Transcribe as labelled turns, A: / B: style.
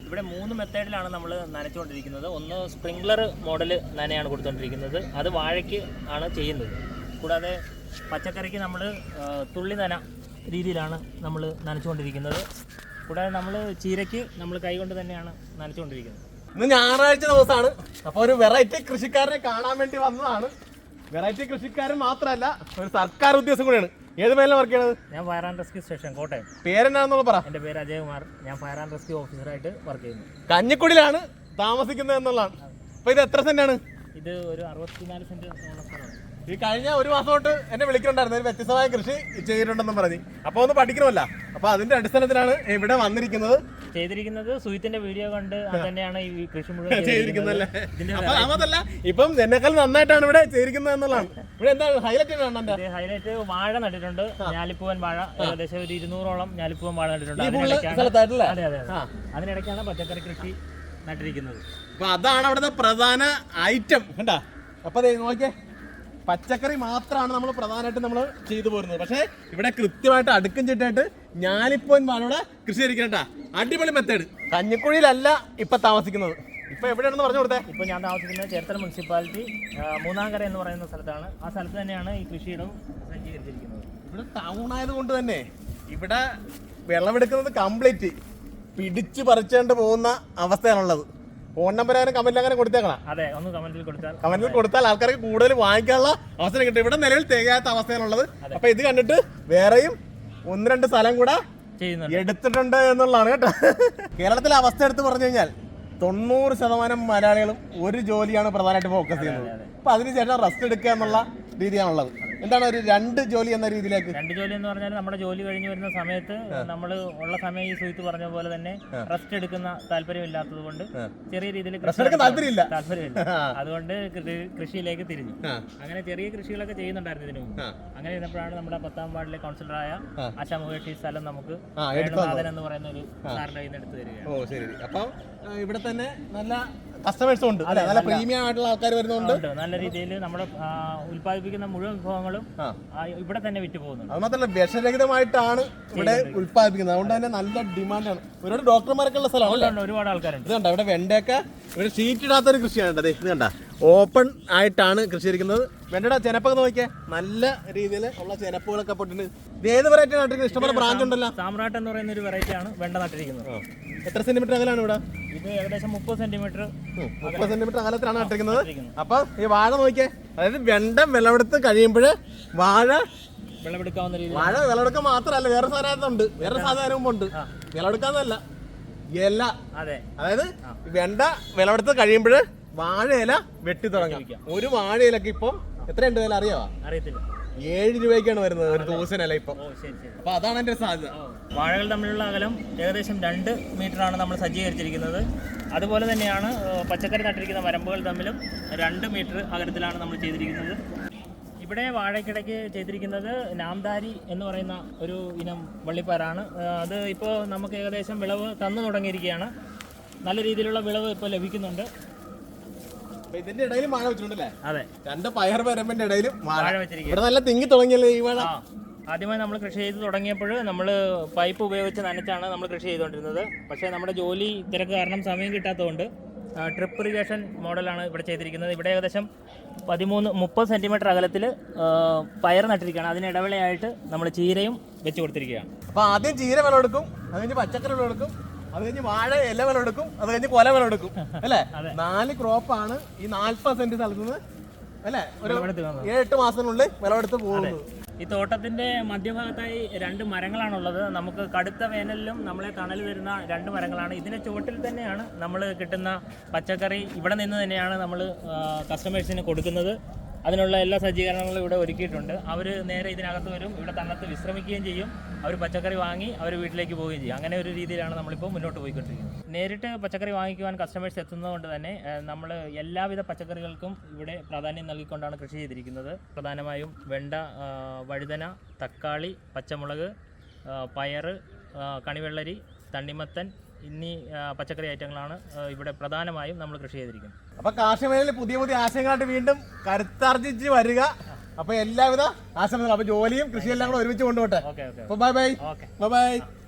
A: ഇവിടെ 3 മെത്തേഡിലാണ് നമ്മൾ നനച്ചുകൊണ്ടിരിക്കുന്നത്. ഒന്ന് സ്പ്രിംഗ്ലർ മോഡൽ നനയാണ് കൊടുത്തുകൊണ്ടിരിക്കുന്നത്, അത് വാഴയ്ക്ക് ആണ് ചെയ്യുന്നത്. കൂടാതെ പച്ചക്കറിക്ക് നമ്മൾ തുള്ളി നന രീതിയിലാണ് നമ്മൾ നനച്ചുകൊണ്ടിരിക്കുന്നത്. കൂടാതെ നമ്മൾ ചീരയ്ക്ക് നമ്മൾ കൈകൊണ്ട് തന്നെയാണ് നനച്ചുകൊണ്ടിരിക്കുന്നത്.
B: ഇന്ന് ഞായറാഴ്ച ദിവസമാണ്, അപ്പോൾ ഒരു വെറൈറ്റി കൃഷിക്കാരനെ കാണാൻ വേണ്ടി വന്നതാണ്. വെറൈറ്റി കൃഷിക്കാരൻ മാത്രമല്ല, ഒരു സർക്കാർ ഉദ്യോഗസ്ഥൻ കൂടെയാണ്. ഏത് മേലാണ് വർക്ക് ചെയ്യണത്?
A: ഞാൻ fire and rescue station Kottayam.
B: പേരെന്നാണെന്നുള്ള പറ.
A: എൻ്റെ പേര് അജയകുമാർ. ഞാൻ ഫയർ ആൻഡ് റെസ്ക്യൂ ഓഫീസറായിട്ട് വർക്ക് ചെയ്യുന്നു.
B: കഞ്ഞിക്കുടിയിലാണ് താമസിക്കുന്നത് എന്നുള്ളതാണ്. അപ്പോൾ ഇത് എത്ര സെന്റാണ്?
A: ഇത് ഒരു 64 സെന്റ് സ്ഥലമാണ്.
B: ഈ കഴിഞ്ഞ ഒരു മാസം തൊട്ട് എന്നെ വിളിക്കുന്നുണ്ടായിരുന്നു, ഒരു വ്യത്യസ്തമായ കൃഷി ചെയ്തിട്ടുണ്ടെന്നും പറഞ്ഞ്. അപ്പോൾ ഒന്ന് പഠിക്കണമല്ല, അപ്പോൾ അതിന്റെ അടിസ്ഥാനത്തിലാണ് ഇവിടെ വന്നിരിക്കുന്നത്.
A: ചെയ്തിരിക്കുന്നത് സുഹിത്തിന്റെ വീഡിയോ കണ്ട് തന്നെയാണ് ഈ കൃഷി മുഴുവൻ
B: ചെയ്തിരിക്കുന്നത്. അപ്പൊ അതല്ല, ഇപ്പം എന്നെക്കാൾ നന്നായിട്ടാണ് ഇവിടെ ചെയ്തിരിക്കുന്നത് എന്നുള്ളതാണ്. ഇവിടെ എന്താ ഹൈലൈറ്റ്?
A: ഹൈലൈറ്റ് വാഴ നട്ടിട്ടുണ്ട്. ഞാലിപ്പൂവൻ വാഴ, ഏകദേശം ഒരു 200ഓളം ഞാലിപ്പൂവൻ വാഴ നട്ടിട്ടുണ്ട്. അതെ അതെ, അതിനിടയ്ക്കാണ് പച്ചക്കറി കൃഷി നട്ടിരിക്കുന്നത്.
B: അപ്പൊ അതാണ് അവിടുത്തെ പ്രധാന ഐറ്റം കണ്ടാ. അപ്പൊ നോക്കിയേ, പച്ചക്കറി മാത്രമാണ് നമ്മൾ പ്രധാനമായിട്ട് നമ്മൾ ചെയ്തു പോരുന്നത്. പക്ഷേ ഇവിടെ കൃത്യമായിട്ട് അടുക്കും ചിട്ടായിട്ട് ഞാലിപ്പൂവൻ വാഴയുടെ കൃഷി ചെയ്തിരിക്കണ അടിപൊളി മെത്തേഡ്. കഞ്ഞിക്കുഴിയിലല്ല ഇപ്പൊ താമസിക്കുന്നത്. ഇപ്പൊ എവിടെയാണെന്ന് പറഞ്ഞു കൊടുത്തേ.
A: ഇപ്പൊ ഞാൻ താമസിക്കുന്നത് ചേർത്തല മുനിസിപ്പാലിറ്റി മൂന്നാംകര എന്ന് പറയുന്ന സ്ഥലത്താണ്. ആ സ്ഥലത്ത് തന്നെയാണ് ഈ കൃഷിയിടം സജ്ജീകരിച്ചിരിക്കുന്നത്.
B: ഇവിടെ ടൗൺ ആയതുകൊണ്ട് തന്നെ ഇവിടെ വിളവെടുക്കുന്നത് കംപ്ലീറ്റ് പിടിച്ച് പറിച്ചുകൊണ്ട് പോകുന്ന അവസ്ഥയാണുള്ളത്. ഫോൺ നമ്പർ അങ്ങനെ കമന്റിൽ അങ്ങനെ കൊടുത്തേക്കണം.
A: അതെ, ഒന്ന് കമന്റിൽ
B: കൊടുത്താൽ ആൾക്കാർക്ക് കൂടുതൽ വാങ്ങിക്കാനുള്ള അവസരം കിട്ടും. ഇവിടെ നിലവിൽ തികയാത്ത അവസ്ഥയാണുള്ളത്. അപ്പൊ ഇത് കണ്ടിട്ട് വേറെയും 1-2 സ്ഥലം കൂടെ എടുത്തിട്ടുണ്ട് എന്നുള്ളതാണ് കേട്ടോ. കേരളത്തിലെ അവസ്ഥ എടുത്ത് പറഞ്ഞു കഴിഞ്ഞാൽ 90% മലയാളികളും ഒരു ജോലിയാണ് പ്രധാനമായിട്ട് ഫോക്കസ് ചെയ്യുന്നത്. അപ്പൊ അതിനുശേഷം റെസ്റ്റ് എടുക്കുക എന്നുള്ള രീതിയാണുള്ളത്. എന്താണ് ഒരു 2 ജോലി എന്ന രീതിയിലേക്ക്?
A: 2 ജോലി എന്ന് പറഞ്ഞാൽ നമ്മുടെ ജോലി കഴിഞ്ഞ് വരുന്ന സമയത്ത് നമ്മൾ ഉള്ള സമയം ഈ സുഹിത്ത് പറഞ്ഞ പോലെ തന്നെ റെസ്റ്റ് എടുക്കുന്ന താല്പര്യമില്ലാത്തത് കൊണ്ട് ചെറിയ രീതിയിൽ
B: താല്പര്യമില്ല,
A: അതുകൊണ്ട് കൃഷിയിലേക്ക് തിരിഞ്ഞു. അങ്ങനെ ചെറിയ കൃഷികളൊക്കെ ചെയ്യുന്നുണ്ടായിരുന്നു ഇതിനു മുമ്പ്. അങ്ങനെ ഇരുന്നപ്പോഴാണ് നമ്മുടെ 10ാം വാർഡിലെ കൗൺസിലറായ ആശാ മുകേഷ് സ്ഥലം നമുക്ക് എന്ന് പറയുന്ന ഒരു സാറിന്റെ കയ്യിൽ നിന്ന് എടുത്തു തരികയാണ്.
B: അപ്പൊ ഇവിടെ തന്നെ നല്ല കസ്റ്റമേഴ്സും ഉണ്ട്, നല്ല പ്രീമിയം ആയിട്ടുള്ള ആൾക്കാർ വരുന്നുണ്ട്.
A: നല്ല രീതിയിൽ നമ്മുടെ ഉൽപ്പാദിപ്പിക്കുന്ന മുഴുവൻ വിഭവങ്ങളും ഇവിടെ തന്നെ വിറ്റ് പോകുന്നുണ്ട്.
B: അത് മാത്രമല്ല വിഷരഹിതമായിട്ടാണ് ഇവിടെ ഉൽപ്പാദിപ്പിക്കുന്നത്. അതുകൊണ്ട് തന്നെ നല്ല ഡിമാൻഡാണ്. ഒരുപാട് ഡോക്ടർമാരൊക്കെ ഉള്ള സ്ഥലമാണ്.
A: ഒരുപാട് ആൾക്കാരുണ്ട്.
B: ഇത് കണ്ട ഇവിടെ വെണ്ടയൊക്കെ ഇവിടെ ഷീറ്റ് ഇടാത്തൊരു കൃഷിയാണ്. ഇത് കണ്ട ഓപ്പൺ ആയിട്ടാണ് കൃഷി ഇരിക്കുന്നത്. വെണ്ടയുടെ ചെനപ്പൊക്കെ നോക്കിയാൽ നല്ല രീതിയിൽ ഉള്ള ചെനപ്പുകളൊക്കെ പൊട്ടിട്ട്. ഇത് ഏത് വെറൈറ്റി നട്ടിരിക്കുന്നത്? ഇഷ്ടംപോലെ ബ്രാഞ്ച് ഉണ്ടല്ലോ.
A: സാമ്രാട്ട് എന്ന് പറയുന്ന ഒരു വെറൈറ്റി ആണ് വെണ്ട നട്ടിരിക്കുന്നത്.
B: എത്ര സെന്റിമീറ്റർ അകലാണ് ഇവിടെ?
A: ഇത് ഏകദേശം 30 സെന്റിമീറ്റർ
B: അകലത്തിലാണ് നട്ടിരിക്കുന്നത്. അപ്പൊ ഈ വാഴ നോക്കിയേ, അതായത് വെണ്ട വിളവെടുത്ത് കഴിയുമ്പോൾ വാഴ
A: വിളവെടുക്കാവുന്ന രീതി.
B: വാഴ വിളവെടുക്കാൻ മാത്രമല്ല, വേറെ സാധനമുണ്ട്, വേറെ സാധനവും ഉണ്ട്. വിളവെടുക്കാന്നല്ല, ഇല. അതായത് വെണ്ട വിളവെടുത്ത് കഴിയുമ്പോൾ വാഴയില വെട്ടി തുടങ്ങി. ഒരു വാഴയിലൊക്കെ ഇപ്പം എത്രയുണ്ട് വില അറിയാവോ?
A: അറിയത്തില്ല.
B: 7 രൂപയ്ക്കാണ് വരുന്നത് ഒരു ദിവസനല്ല ഇപ്പൊ. അപ്പൊ അതാണ് എന്റെ സാധ്യത.
A: വാഴകൾ തമ്മിലുള്ള അകലം ഏകദേശം 2 മീറ്ററാണ് നമ്മൾ സജ്ജീകരിച്ചിരിക്കുന്നത്. അതുപോലെ തന്നെയാണ് പച്ചക്കറി നട്ടിരിക്കുന്ന വരമ്പുകൾ തമ്മിലും 2 മീറ്റർ അകലത്തിലാണ് നമ്മൾ ചെയ്തിരിക്കുന്നത്. ഇവിടെ വാഴയ്ക്കിടയ്ക്ക് ചെയ്തിരിക്കുന്നത് നാംദാരി എന്ന് പറയുന്ന ഒരു ഇനം വള്ളിപ്പയറാണ്. അത് ഇപ്പോൾ നമുക്ക് ഏകദേശം വിളവ് തന്നു തുടങ്ങിയിരിക്കുകയാണ്. നല്ല രീതിയിലുള്ള വിളവ് ഇപ്പോൾ ലഭിക്കുന്നുണ്ട്.
B: ഇതിന്റെ ഇടയിൽ വാഴ വെച്ചിട്ടുണ്ടല്ലേ?
A: അതെ,
B: 2 പയർ വരമ്പിന്റെ ഇടയിലും വാഴ
A: വെച്ചിരിക്കുക.
B: ഇവിടെ നല്ല തിങ്ങി തുടങ്ങിയല്ലേ ഈ വാഴ?
A: ആദ്യമായി നമ്മൾ കൃഷി ചെയ്ത് തുടങ്ങിയപ്പോൾ നമ്മൾ പൈപ്പ് ഉപയോഗിച്ച് നനച്ചാണ് നമ്മൾ കൃഷി ചെയ്തുകൊണ്ടിരുന്നത്. പക്ഷേ നമ്മുടെ ജോലി തിരക്ക് കാരണം സമയം കിട്ടാത്തതുകൊണ്ട് ട്രിപ്പ് ഇറിഗേഷൻ മോഡലാണ് ഇവിടെ ചെയ്തിരിക്കുന്നത്. ഇവിടെ ഏകദേശം 30 സെന്റിമീറ്റർ അകലത്തിൽ പയർ നട്ടിരിക്കുകയാണ്. അതിന് ഇടവേളയായിട്ട് നമ്മൾ ചീരയും വെച്ച് കൊടുത്തിരിക്കുകയാണ്.
B: അപ്പോൾ ആദ്യം ചീര വിളവെടുക്കും, അത് കഴിഞ്ഞ് പച്ചക്കറി വിളവെടുക്കും, അത് കഴിഞ്ഞ് വാഴ ഇല വിളവെടുക്കും, അത് കഴിഞ്ഞ് കൊല വിളവെടുക്കും അല്ലേ? 4 ക്രോപ്പാണ് ഈ 40 സെന്റ് സ്ഥലത്ത് നിന്ന് അല്ലേ ഒരു 7-8 മാസത്തിനുള്ളിൽ വിളവെടുത്ത് പോകുന്നത്.
A: ഈ തോട്ടത്തിന്റെ മധ്യഭാഗത്തായി 2 മരങ്ങളാണുള്ളത്. നമുക്ക് കടുത്ത വേനലിലും നമ്മളെ തണൽ തരുന്ന 2 മരങ്ങളാണ്. ഇതിന്റെ ചുവട്ടിൽ തന്നെയാണ് നമ്മൾ കിട്ടുന്ന പച്ചക്കറി. ഇവിടെ നിന്ന് തന്നെയാണ് നമ്മൾ കസ്റ്റമേഴ്സിന് കൊടുക്കുന്നത്. അതിനുള്ള എല്ലാ സജ്ജീകരണങ്ങളും ഇവിടെ ഒരുക്കിയിട്ടുണ്ട്. അവർ നേരെ ഇതിനകത്ത് വരും, ഇവിടെ തന്നത്ത് വിശ്രമിക്കുകയും ചെയ്യും. അവർ പച്ചക്കറി വാങ്ങി അവർ വീട്ടിലേക്ക് പോവുകയും ചെയ്യും. അങ്ങനെ ഒരു രീതിയിലാണ് നമ്മളിപ്പോൾ മുന്നോട്ട് പോയിക്കൊണ്ടിരിക്കുന്നത്. നേരിട്ട് പച്ചക്കറി വാങ്ങിക്കുവാൻ കസ്റ്റമേഴ്സ് എത്തുന്നതുകൊണ്ട് തന്നെ നമ്മൾ എല്ലാവിധ പച്ചക്കറികൾക്കും ഇവിടെ പ്രാധാന്യം നൽകിക്കൊണ്ടാണ് കൃഷി ചെയ്തിരിക്കുന്നത്. പ്രധാനമായും വെണ്ട, വഴുതന, തക്കാളി, പച്ചമുളക്, പയർ, കണിവെള്ളരി, തണ്ണിമത്തൻ എന്നീ പച്ചക്കറി ഐറ്റങ്ങളാണ് ഇവിടെ പ്രധാനമായും നമ്മൾ കൃഷി ചെയ്തിരിക്കുന്നത്.
B: അപ്പോൾ കാർഷിക മേഖലയിൽ പുതിയ പുതിയ ആശയങ്ങളായിട്ട് വീണ്ടും കരുത്താർജിച്ച് വരിക. അപ്പോൾ എല്ലാവിധ ആശംസകളും. അപ്പോൾ ജോലിയും കൃഷിയെല്ലാം കൂടെ ഒരുമിച്ച് കൊണ്ടുപോട്ടെ.
A: Okay,
B: bye bye.